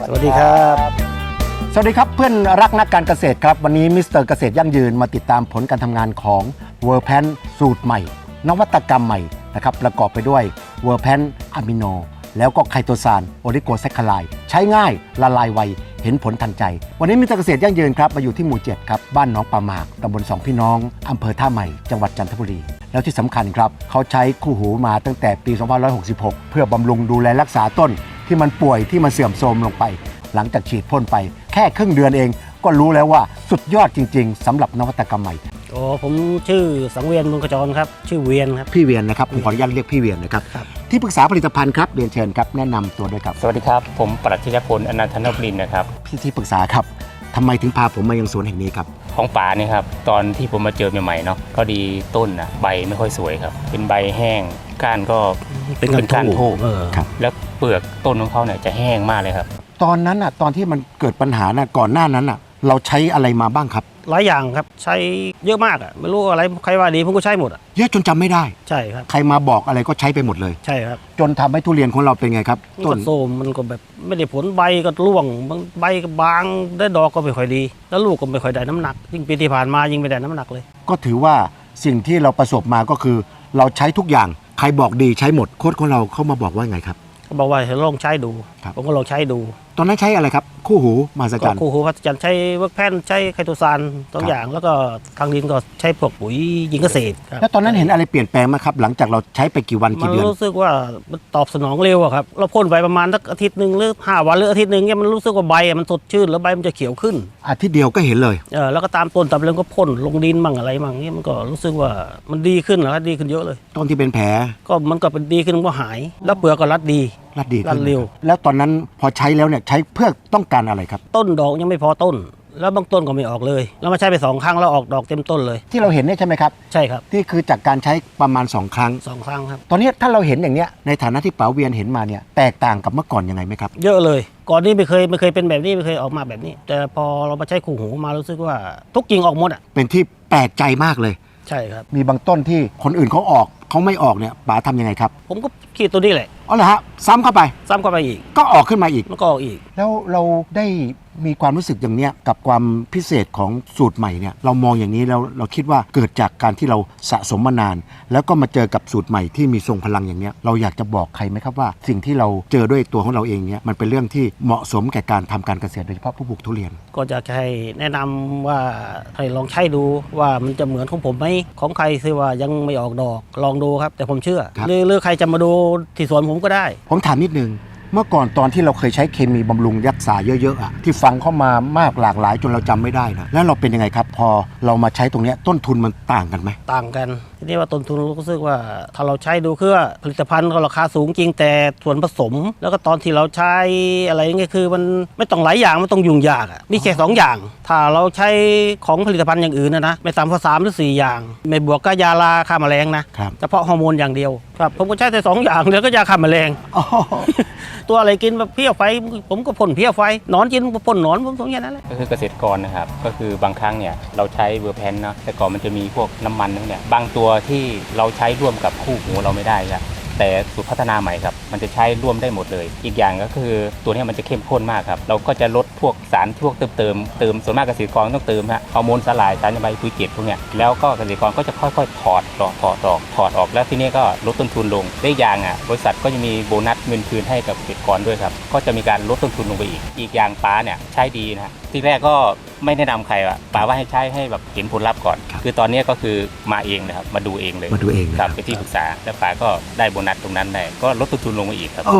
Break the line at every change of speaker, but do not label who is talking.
สวัสดีครับ
สวัสดีครับเพื่อนรักนักการเกษตรครับวันนี้มิสเตอร์เกษตรยั่งยืนมาติดตามผลการทำงานของเวอร์แพนสูตรใหม่นวัตกรรมใหม่นะครับประกอบไปด้วยเวอร์แพนอะมิโนแล้วก็ไคโตซานโอลิโกแซคคาไลด์ใช้ง่ายละลายไวเห็นผลทันใจวันนี้มิสเตอร์เกษตรยั่งยืนครับมาอยู่ที่หมู่ 7ครับบ้านหนองปลาหมากตำบล2พี่น้องอำเภอท่าใหม่จังหวัดจันทบุรีแล้วที่สำคัญครับเขาใช้คู่หูมาตั้งแต่ปี 2566 เพื่อบำรุงดูแลรักษาต้นที่มันป่วยที่มันเสื่อมโทรมลงไปหลังจากฉีดพ่นไปแค่ครึ่งเดือนเองก็รู้แล้วว่าสุดยอดจริงๆสำหรับนวัตกรรมใหม่
ผมชื่อสังเวียนบุญขจรครับชื่อเวียนครับ
พี่เวียนนะครับผมขออนุญาตเรียกพี่เวียนนะครับที่ปรึกษาผลิตภัณฑ์ครับเรียนเชิญครับแนะนำตัวด้วยครับ
สวัสดีครับผมปรัชญพลอนันทนพลินนะครับ
พี่ที่ปรึกษาครับทำไมถึงพาผมมายังสวนแห่งนี้ครับ
ของป่านี่ครับตอนที่ผมมาเจอใหม่ๆเนาะพอดีต้นนะใบไม่ค่อยสวยครับเป็นใบแห้งก้านก็เป็นก้านโผล่แล้วเปลือกต้นของเขาเนี่ยจะแห้งมากเลยครับ
ตอนนั้นตอนที่มันเกิดปัญหาก่อนหน้านั้นเราใช้อะไรมาบ้างครับ
หลายอย่างครับใช้เยอะมากไม่รู้อะไรใครว่าดีผมก็ใช้หมด
เยอะจนจำไม่ได้
ใช่ครับ
ใครมาบอกอะไรก็ใช้ไปหมดเลย
ใช่ครับ
จนทำให้ทุเรียนของเราเป็นไงครับ
ต้นโทรมมันก็แบบไม่ได้ผลใบก็ร่วงใบก็บางได้ดอกก็ไม่ค่อยดีแล้วลูกก็ไม่ค่อยได้น้ำหนักยิ่งปีที่ผ่านมายิ่งไม่ได้น้ำหนักเลย
ก็ถือว่าสิ่งที่เราประสบมาก็คือเราใช้ทุกอย่างใครบอกดีใช้หมดโค้ชของเราเข้ามาบอกว่าไงครับ
เขาบอกว่าให้ลองใช้ดูผมก็ลองใช้ดู
ตอนนั้นใช้อะไรครับคู่หูมหัศจรรย์
คู่หูมหัศจรรย์ใช้เวิร์กแพนใช้ไคโตซานตัวอย่างแล้วก็ทางดินก็ใช้พวกปุ๋ยยิงเกษตร
แล้วตอนนั้นเห็นอะไรเปลี่ยนแปลงไหมครับหลังจากเราใช้ไปกี่วันกี่เดือน
มันรู้สึกว่ามันตอบสนองเร็วครับเราพ่นไปประมาณสักอาทิตย์นึงหรือ5 วันหรืออาทิตย์นึงเนี่ยมันรู้สึกว่าใบมันสดชื่นแล้วใบมันจะเขียวขึ้น
อาทิตย์เดียวก็เห็นเลย
แล้วก็ตามต้นตามเรื่องก็พ่นลงดินมั่งอะไรมั่งเนี่ยมันก็รู้สึกว่ามันดีขึ้นแล้วดีขึ้นเยอะเลย
ต้นที่เป็นแผล
ก็มันก็เป็นดีขึ้นก็หายแล้วเปลือกก็รัดดี
ขึ้น
เร็ว
แล้วตอนนั้นพอใช้แล้วเนี่ยใช้เพื่อต้องการอะไรครับ
ต้นดอกยังไม่พอต้นแล้วบางต้นก็ไม่ออกเลยแล้วมาใช้ไป2 ครั้งแล้วออกดอกเต็มต้นเลย
ที่เราเห็นเนี่ยใช่ไหมครับ
ใช่ครับ
ที่คือจากการใช้ประมาณ2 ครั้ง
ครับ
ตอนนี้ถ้าเราเห็นอย่างเนี้ยในฐานะที่ป๋าเวียนเห็นมาเนี่ยแตกต่างกับเมื่อก่อนยังไงไหมครับ
เยอะเลยก่อนนี้ไม่เคยเป็นแบบนี้ไม่เคยออกมาแบบนี้แต่พอเรามาใช้คู่หูมารู้สึกว่าทุกกิ่งออกหมด
เป็นที่แปลกใจมากเลย
ใช่ครับ
มีบางต้นที่คนอื่นเขาออกเขาไม่ออกเนี่ยป๋าทำยังไงครับ
ผมก็ขีดตัวนี้แหละ
อ๋อเหรอฮะซ้ำเข้าไป
อีก
ก็ออกขึ้นมาอีก
มันก็ออกอีก
แล้วเราได้มีความรู้สึกอย่างเนี้ยกับความพิเศษของสูตรใหม่เนี่ยเรามองอย่างนี้แล้วเราคิดว่าเกิดจากการที่เราสะสมมานาน แล้วก็มาเจอกับสูตรใหม่ที่มีทรงพลังอย่างเนี้ยเราอยากจะบอกใครไหมครับว่าสิ่งที่เราเจอด้วยตัวของเราเองเนี่ยมันเป็นเรื่องที่เหมาะสมแก่การทำการเกษตรโดยเฉพาะผู้ปลูกทุเรียน
ก็จะให้แนะนำว่าให้ลองใช้ดูว่ามันจะเหมือนของผมไหมของใครที่ว่ายังไม่ออกดอกลองดูครับแต่ผมเชื่อหรือใครจะมาดูที่สวนผมก็ได้
ผมถามนิดนึงเมื่อก่อนตอนที่เราเคยใช้เคมีบำรุงรักษาเยอะๆที่ฟังเข้ามามากหลากหลายจนเราจำไม่ได้นะแล้วเราเป็นยังไงครับพอเรามาใช้ตรงนี้ต้นทุนมันต่างกันไหม
ต่างกันทีนี้ว่าต้นทุนรู้สึกว่าถ้าเราใช้ดูคือผลิตภัณฑ์ก็ราคาสูงจริงแต่ส่วนผสมแล้วก็ตอนที่เราใช้อะไรเงี้ยคือมันไม่ต้องหลายอย่างมันต้องยุ่งยากมีแค่2 อย่างถ้าเราใช้ของผลิตภัณฑ์อย่างอื่นนะไม่ต่ำกว่า3 หรือ 4 อย่างไม่บวกก็ยาลาฆ่าแมลงนะเฉพาะฮอร์โมนอย่างเดียวครับผมก็ใช้แต่2 อย่างแล้วก็ยาฆ่าแมลงตัวอะไรกินแบบเพี้ยไฟผมก็พ่นเพี้ยไฟนอนกินพ่นนอนผมอย่างนั้นแหละ
ก็คือเกษตรกรนะครับก็คือบางครั้งเนี่ยเราใช้เวอร์แพนนะแต่ก่อนมันจะมีพวกน้ำมันเนี่ยบางตัวที่เราใช้ร่วมกับคู่หูเราไม่ได้ครับแต่สูตรพัฒนาใหม่ครับมันจะใช้ร่วมได้หมดเลยอีกอย่างก็คือตัวนี้มันจะเข้มข้นมากครับเราก็จะลดพวกสารพวกเติมส่วนมากเกษตรกรต้องเติมฮอร์โมนสลายสารใบปุ๋ยเกล็ดพวกเนี้ยแล้วก็เกษตรกรก็จะค่อยๆถอดออกแล้วทีนี้ก็ลดต้นทุนลงได้อย่างบริษัทก็จะมีโบนัสเงินคืนให้กับเกษตรกรด้วยครับก็จะมีการลดต้นทุนลงไปอีกอย่างป้าเนี่ยใช้ดีนะที่แรกก็ไม่แนะนำใครป้าว่าให้ใช้ให้แบบเห็นผลลัพธ์ก่อนคือตอนนี้ก็คือมาเองนะครับมาดูเองเลยครับเป็นที่ปรึกษาแล้วป้าก็ได้โบนัสตรงนั้นได้ก็ลดต้นทุนลงมาอีกครับ